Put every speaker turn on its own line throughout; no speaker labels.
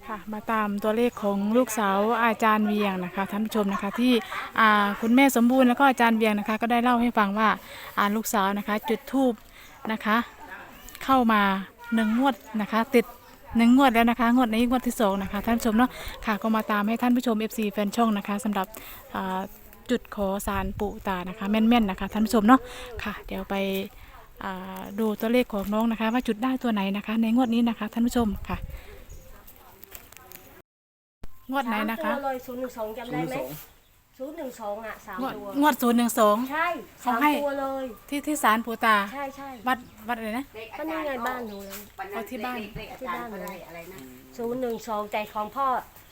ค่ะมาตามตัวเลขของลูกสาวอาจารย์เวียงนะคะท่านผู้ชมนะคะที่คุณแม่สมบูรณ์แล้วก็อาจารย์เวียงนะคะก็ได้เล่าให้ฟังว่าลูกสาวนะคะจุดธูปนะคะเข้ามา1 งวดนะคะติด1 งวดแล้วนะคะงวดนี้งวดที่2นะคะท่านผู้ชมเนาะค่ะก็มาตามให้ท่านผู้ชม FC แฟนช่องนะคะสำหรับจุดขอสารปู่ตานะคะแม่นๆนะคะท่านผู้ชมเนาะค่ะเดี๋ยวไปดูตัวเลขของน้องนะคะว่าจุดได้ตัวไหนนะคะในงวดนี้นะคะท่านผู้ชมค่ะงวดไหนนะคะ
ตัวเลย012จำได้ไหม012อ่ะ3 ตัว
งวด012
ใช่
เขาให้
3 ตัวเลย
ที่ศาลปู่ตา
ใช่ใช่
วัดอะไรนะ
ก็นี่ไงบ้านหนูเลย
เอาที่บ้าน
ที่บ้านหนู012ใจของพ่อ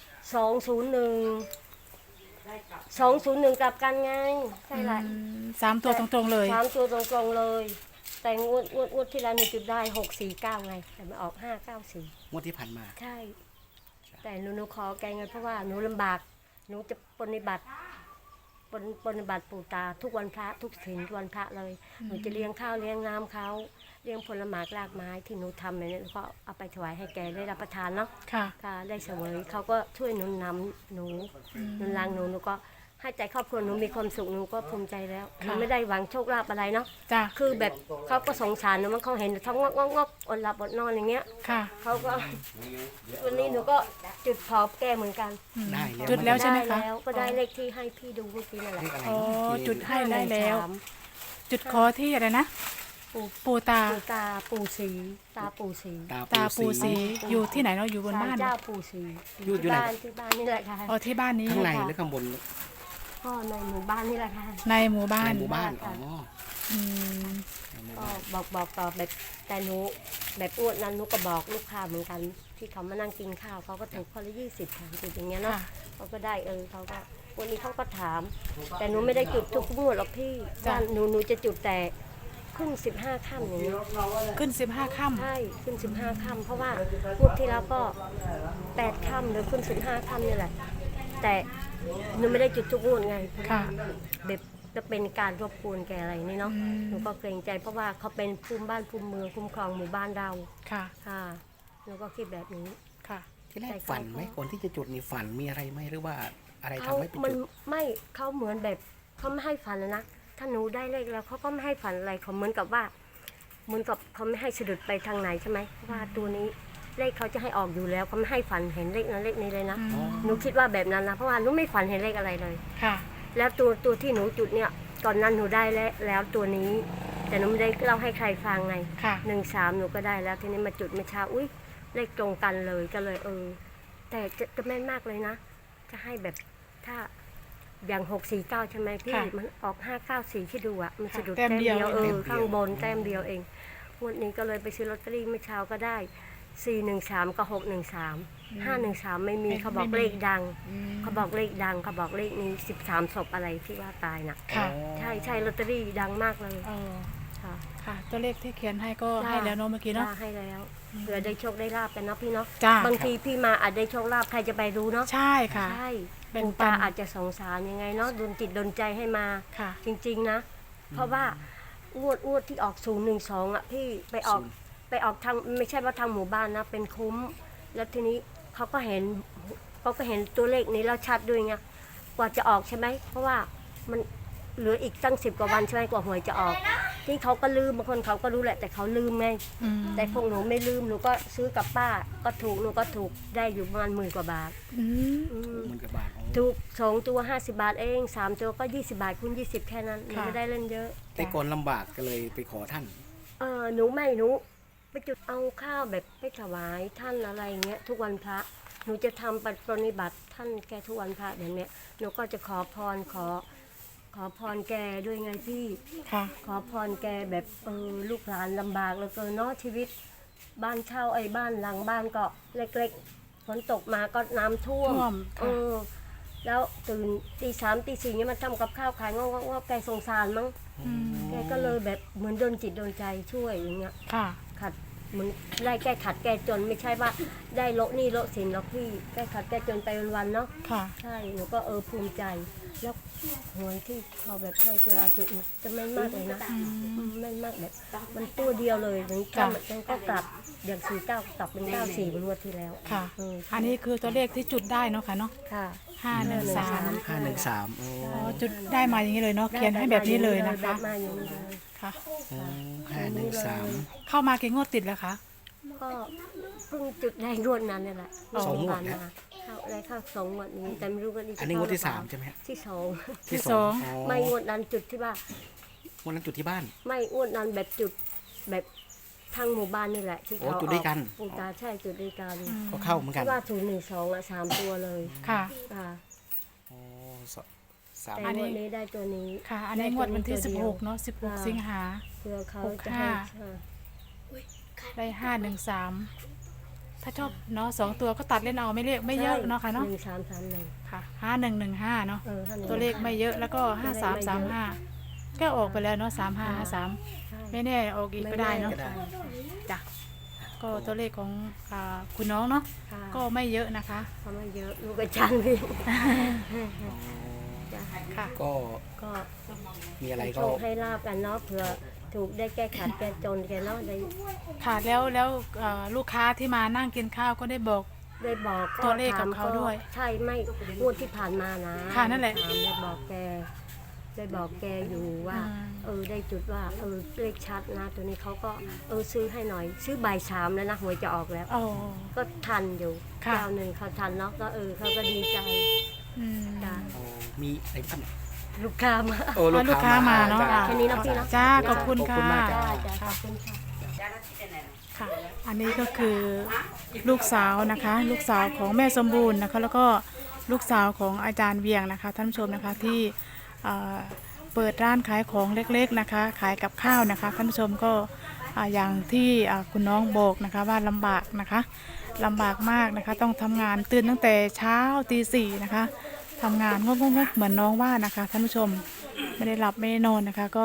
201กลับกันไงใช่ไร
3 ตัวตรงๆเลย
3 ตัวตรงๆเลย แต่งวดที่แล้วหนูจุดได้649ไงแต่มาออก594
งวดที่ผ่านมา
ใช่ แต่หนูขอแกเงินเพราะว่าหนูลำบากหนูจะปฏิบัติปู่ตาทุกวันพระทุกศีลทุกวันพระเลยหนูจะเลี้ยงข้าวเลี้ยงน้ำเขาเลี้ยงผลไม้รากไม้ที่หนูทำอย่างนี้ก็เอาไปถวายให้แกได้รับประทานเนาะ
ค่ะ
ค่ะได้เสวยเขาก็ช่วยหนุนนำหนูหนุนรังหนูก็ให้ใจครอบครัวหนูมีความสุขหนูก็ภูมิใจแล้วหนูไม่ได้หวังโชคลาภอะไรเนาะ
จ้ะ
คือแบบเขาก็สงสารหนูมันเขาเห็นท้องงอกอดหลับอดนอนอย่างเงี้ย
ค่ะ
เขาก็วันนี้หนูก็จุดขอบแก้เหมือนกัน
ได้แล้ว
จุดแล้วใช่ไหมคะ
ด้แล้วก็ได้เลขที่ให้พี่ดูเมื่อกี้นั่นแหละ
เลขอะไร
อ๋อ
เนาะ
จุดให้ได้แล้ว
513
จุดขอที่อะไรนะ ปู่ตา
ปู่ตาปู่ศรีตาปู่ศรี
ตาปู่ศรีอยู่ที่ไหนเนาะอยู่บน
ศาล
บ้าน
เจ้าปู่ศรี
อยู่ไหน
ที่บ้านนี่แหละค่ะ
อ๋อที่บ้านนี้
ข้างในหรือข้างบน
ก็ในหมู่บ้านนี่แหละค่ะ
ในหมู่บ้า
ใน
น
หมู่บ้านอ๋อ
อืม
ในหมู่
ก็
บ้าน
บอกต่อแบบแต่หนูแบบอ้วนนั้นหนูก็บอกลูกค้าเหมือนกัน ที่เขามานั่งกินข้าวเขาก็ถูกคนละ20 30อย่างเงี้ยเนาะ
ค่ะ
เขาก็ได้เขาก็วันนี้เขาก็ถาม แต่หนูไม่ได้จุดทุกงวดหรอกพี่ว่าหนูจะจุดแต่ขึ้น15 ค่ำอย่างเงี้ย
ขึ้น15 ค่ำ
ใช่ขึ้น15 ค่ำเพราะว่างวดที่แล้วก็8 ค่ำหรือขึ้น15 ค่ำนี่แหละแต่หนูไม่ได้จุดทุกงวดไง
ค่ะ
แบบจะเป็นการรบกวนแกอะไรนี่เนาะ
อืม
หนูก็เกรงใจเพราะว่าเขาเป็นภูมิบ้านภูมิเมืองคุ้มครองหมู่บ้านเรา
ค่ะ
ค่ะหนูก็คิดแบบนี้
ค่ะ
ที่แรกฝันไหมก่อนที่จะจุดนี่ฝันมีอะไรไหมหรือว่าอะไร
เขา
ทำให้ไป
มัน
จุด
ไม่เขาเหมือนแบบเขาไม่ให้ฝันแล้วนะถ้าหนูได้เลขแล้วเขาก็ไม่ให้ฝันอะไรเขาเหมือนกับว่าเหมือนกับเขาไม่ให้สะดุดไปทางไหนใช่ไหมเพราะว่าตัวนี้เลขเขาจะให้ออกอยู่แล้วเขาไม่ให้ฝันเห็นเลขนั้นเลขนี้เลยนะ
อืม
หนูคิดว่าแบบนั้นนะเพราะว่าหนูไม่ฝันเห็นเลขอะไรเลย
ค่ะ
แล้วตัวที่หนูจุดเนี่ยก่อนนั้นหนูได้แล้วตัวนี้ แต่หนูไม่ได้เล่าให้ใครฟังไง
ค่ะ
13หนูก็ได้แล้วทีนี้มาจุดเมื่อเช้าอุ้ยเลขตรงกันเลยก็เลยแต่จะแม่นมากเลยนะ จะให้แบบถ้าอย่าง649ใช่ไหมพี่
ค่ะ
มันออก594ที่ดูอ่ะมันสะดุด
แต้มเดียว
ข้างบนแต้มเดียวเองงวดนี้ก็เลยไปซื้อลอตเตอรี่เมื่อเช้าก็ได้413กับ613 513ไม่มีเขาบอกเลขดัง
อืม
เขาบอกเลขดังเขาบอกเลขนี้13ศพอะไรที่ว่าตายน่ะ
ค่ะ
ใช่ลอตเตอรี่ดังมากเลย
เออ
ค่ะ
ค่ะ ตัวเลขที่เขียนให้ก็ให้แล้วเนาะเมื่อกี้เนาะ
จ้ให้แล้วเผื่อได้โชคได้ลาบกันเนาะพี่เนาะ
จ้า
บางทีพี่มาอาจได้โชคลาภใครจะไปรู้เนาะ
ใช่ค่ะ
ใช่
แบ่ง
ปู่
ปั
ตาน อาจจะสงสารยังไงเนาะดลจิตดลใจให้มา
ค่ะ
จริงๆนะ เพราะว่างวดที่ออก012อ่ะพี่ไปออกทางไม่ใช่ว่าทางหมู่บ้านนะเป็นคุ้ม แล้วทีนี้เขาก็เห็นตัวเลขนี้แล้วชัดด้วยไงกว่าจะออกใช่ไหมเพราะว่ามันเหลืออีกตั้ง10 กว่าวันใช่ไหมกว่าหวยจะออกที่เขาก็ลืมบางคนเขาก็รู้แหละแต่เขาลืมไง
อืม
แต่พวกหนูไม่ลืมหนูก็ซื้อกับป้าก็ถูกหนูก็ถูกได้อยู่ประมาณ10,000 กว่าบาท
อืม
อืม
10,000 กว่าบาทอ๋อ
ถูก2 ตัว50 บาทเอง3 ตัวก็20 บาทคูณ20แค่นั้นหนู
ค่ะ
ไม่ได้เล่นเยอะ
แต่ก่อนลำบากก็เลยไปขอท่าน
หนูไปจุดเอาข้าวแบบไปถวายท่านอะไรเงี้ยทุกวันพระหนูจะทำปฏิบัติท่านแกทุกวันพระแบบเนี้ยหนูก็จะขอพรแกด้วยไงพี่
ค่ะ
ขอพรแกแบบลูกหลานลำบากเหลือเกินเนาะชีวิตบ้านเช่าบ้านหลังบ้านก็เล็กๆฝนตกมาก็น้ำท่วม
ท่วมค่ะ
แล้วตื่นตี 3ตี 4เนี่ยมันทำกับข้าวขายงอกๆแกสงสารมั้ง
อืม
แกก็เลยแบบเหมือนโดนจิตโดนใจช่วยอย่างเงี้ย
ค่ะ
ขัดเหมือนไล่แก้ขัดแก้จนไม่ใช่ว่าได้โละหนี่โละสินหรอกพี่แก้ขัดแก้จนไปวันๆเนาะ
ค่ะ
ใช่หนูก็ภูมิใจแล้วหวยที่เขาแบบให้ตัวเราจุดจะไม่มากเลยนะไม่มากแบบมันตัวเดียวเลยถึงก็มันก็กลับอย่าง49กลับเป็น94เป็นงวดที่แล้ว
ค่ะ อันนี้คือตัวเลขที่จุดได้เนาะค่ะเนาะ
ค่ะ
513
513โอ้
อ๋อจุดได้มาอย่างนี้เลยเนาะเขียนให้แบบนี้เลยนะคะ
มาอย่างนี้เลย
ค่ะ
513
เข้ามากี่งวดติดแล้วคะ
ก็เพิ่งจุดได้งวดนั้นนี่แหละ
สองงวด
ผ่าน
นะ
มาเข้าได้เข้า2งวดนี้แต่ไม่รู้ว่านี่จะ
อันนี้งวดที่
เข้าหรือเปล่
3ใช่ไหมฮะ
ที่สอง
ที่สอง
ไม่งวดนั้นจุดที่ว่า
วันนั้นจุดที่บ้าน
ไม่งวดนั้นแบบจุดแบบทางหมู่บ้านนี่แหละที่
โอ้
เขา
จุดด้วยกัน
ปูตาใช่จุดด้วยกัน
ก็เข้าเหมือนกัน
ที่ว่า012อ่ะ3ตัวเลย
ค่ะ
ค่ะ
โอ้สาม
แต่
อันนี้
งวดนี้ได้ตัวนี้
ค่ะ อันนี้งวดวันที่
ได้ตัวดียว
16เนาะ16 สิงหา
เพื่อเขา
65
จะให้ค่ะ
ได้513ถ้าชอบเนาะ2ตัวก็ตัดเล่นเอาไม่เรียกไม่เยอะเนาะค่ะเนาะ
1331
ค่ะ5115เนาะ
51
ตัวเลขไม่เยอะแล้วก็5335ก็ออกไปแล้วเนาะ3553ไม่แน่ออกอีกก็ได้เนาะ
ก็ได้
จ้ะก็ตัวเลขของคุณน้องเนาะ
ค่ะ
ก็ไม่เยอะนะคะ
เขาไม่เยอะลูกอาจารย์พี่ จ้ะ
ค่ะ
ก็
ก็
มีอะไร
โช
ก็
คให้ลาบกันเนาะเผื่อถูกได้แก้ขัดแก้จนแกเนาะได้
ค่ะแล้วลูกค้าที่มานั่งกินข้าวก็ได้บอก
ได้บอกก็
ตัวเลขกับ
ถม
เขาด้วย
ใช่ไม่งวดที่ผ่านมานะ
ค่ะนั่นแหละ
ถามได้บอกแกอยู่ว่า ได้จุดว่าเลขชัดนะตัวนี้เขาก็ซื้อให้หน่อย ซื้อบ่าย3แล้วนะหวยจะออกแล้ว
อ๋อ
ก็ทันอยู่
ค่ะ
เจ้าหนึ่งเขาทันเนาะก็เขาก็ดีใจ
อืม
จ้ะ
โอ้มีอะไรบ้าง
ลูกค้ามา
โอ้
ลูกค้ามาเนาะ
จ้
แค่นี้เนาะพี่เนาะ
จ้าขอบคุณ
ขอบ
ค่ะ
คุณมากจ้า
จ้าขอบคุณค่ะ
ค่ะ อันนี้ก็คือลูกสาวนะคะ ลูกสาวของแม่สมบูรณ์นะคะ แล้วก็ลูกสาวของอาจารย์เวียงนะคะท่านผู้ชมนะคะที่เปิดร้านขายของเล็กๆนะคะ ขายกับข้าวนะคะท่านผู้ชมก็อย่างที่คุณน้องบอกนะคะว่าลำบากนะคะลำบากมากนะคะต้องทำงานตื่นตั้งแต่เช้าตี 4นะคะทำงานงกๆเหมือนน้องว่านะคะท่านผู้ชมไม่ได้หลับไม่ได้นอนนะคะก็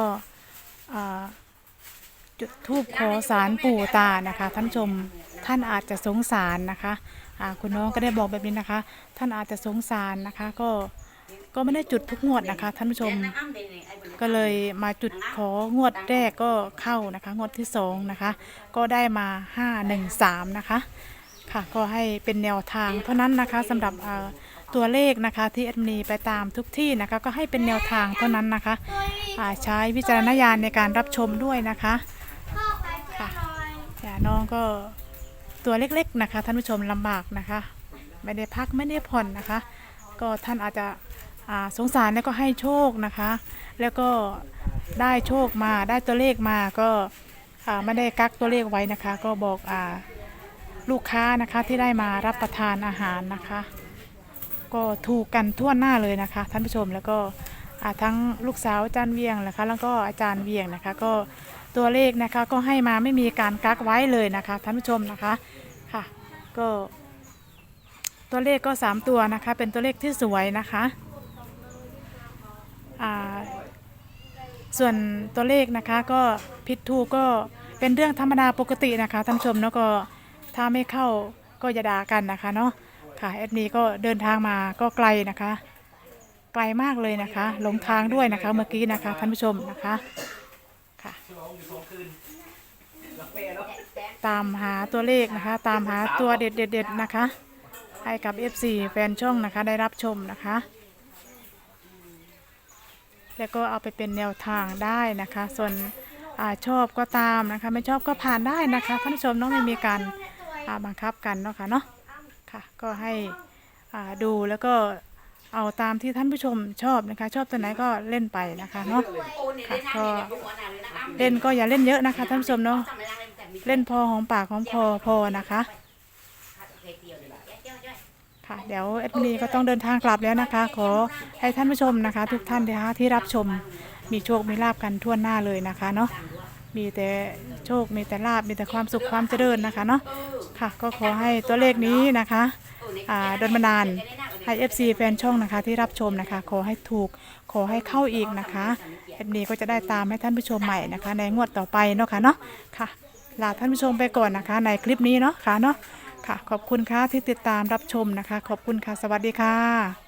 จุดธูปขอสารปู่ตานะคะท่านผู้ชมท่านอาจจะสงสารนะคะคุณน้องก็ได้บอกแบบนี้นะคะ ท่านอาจจะสงสารนะคะก็ไม่ได้จุดทุกงวดนะคะท่านผู้ชมก็เลยมาจุดของวดแรกก็เข้านะคะงวดที่2นะคะก็ได้มา513นะคะค่ะก็ให้เป็นแนวทางเท่านั้นนะคะสำหรับตัวเลขนะคะที่แอดมินไปตามทุกที่นะคะก็ให้เป็นแนวทางเท่านั้นนะคะใช้วิจารณญาณในการรับชมด้วยนะคะค่ะน้องก็ตัวเล็กๆนะคะท่านผู้ชมลำบากนะคะไม่ได้พักไม่ได้ผ่อนนะคะก็ท่านอาจจะสงสารแล้วก็ให้โชคนะคะ แล้วก็ได้โชคมาได้ตัวเลขมาก็ไม่ได้กักตัวเลขไว้นะคะ ก็บอกลูกค้านะคะที่ได้มารับประทานอาหารนะคะ ก็ถูกกันทั่วหน้าเลยนะคะท่านผู้ชมแล้วก็ทั้งลูกสาวอาจารย์เวียงนะคะแล้วก็อาจารย์เวียงนะคะก็ตัวเลขนะคะก็ให้มาไม่มีการกักไว้เลยนะคะท่านผู้ชมนะคะค่ะก็ตัวเลขก็3ตัวนะคะเป็นตัวเลขที่สวยนะคะส่วนตัวเลขนะคะก็ผิดถูกก็เป็นเรื่องธรรมดาปกตินะคะท่านผู้ชมแล้วก็ถ้าไม่เข้าก็อย่าด่ากันนะคะเนาะค่ะแอดมินก็เดินทางมาก็ไกลนะคะไกลมากเลยนะคะหลงทางด้วยนะคะเมื่อกี้นะคะท่านผู้ชมนะคะค่ะตามหาตัวเลขนะคะตามหาตัวเด็ดๆนะคะให้กับ FC แฟนช่องนะคะได้รับชมนะคะแล้วก็เอาไปเป็นแนวทางได้นะคะส่วนชอบก็ตามนะคะไม่ชอบก็ผ่านได้นะคะท่านผู้ชมน้องไม่มีการบังคับกันเนาะค่ะเนาะค่ะก็ให้ดูแล้วก็เอาตามที่ท่านผู้ชมชอบนะคะชอบตัวไหนก็เล่นไปนะคะเนาะค่ะก็เล่นก็อย่าเล่นเยอะนะคะท่านผู้ชมเนาะเล่นพอหอมปากหอมคอพอนะคะค่ะเดี๋ยวแอดมินก็ต้องเดินทางกลับแล้วนะคะขอให้ท่านผู้ชมนะคะทุกท่านนะคะที่รับชมมีโชคมีลาภกันทั่วหน้าเลยนะคะเนาะมีแต่โชคมีแต่ลาภมีแต่ความสุขความเจริญนะคะเนาะค่ะก็ขอให้ตัวเลขนี้นะคะดลบันดาลให้ FC แฟนช่องนะคะที่รับชมนะคะขอให้ถูกขอให้เข้าอีกนะคะแอดมินก็จะได้ตามให้ท่านผู้ชมใหม่นะคะในงวดต่อไปเนาะค่ะเนาะค่ะลาท่านผู้ชมไปก่อนนะคะในคลิปนี้เนาะค่ะเนาะค่ะขอบคุณค่ะที่ติดตามรับชมนะคะขอบคุณค่ะสวัสดีค่ะ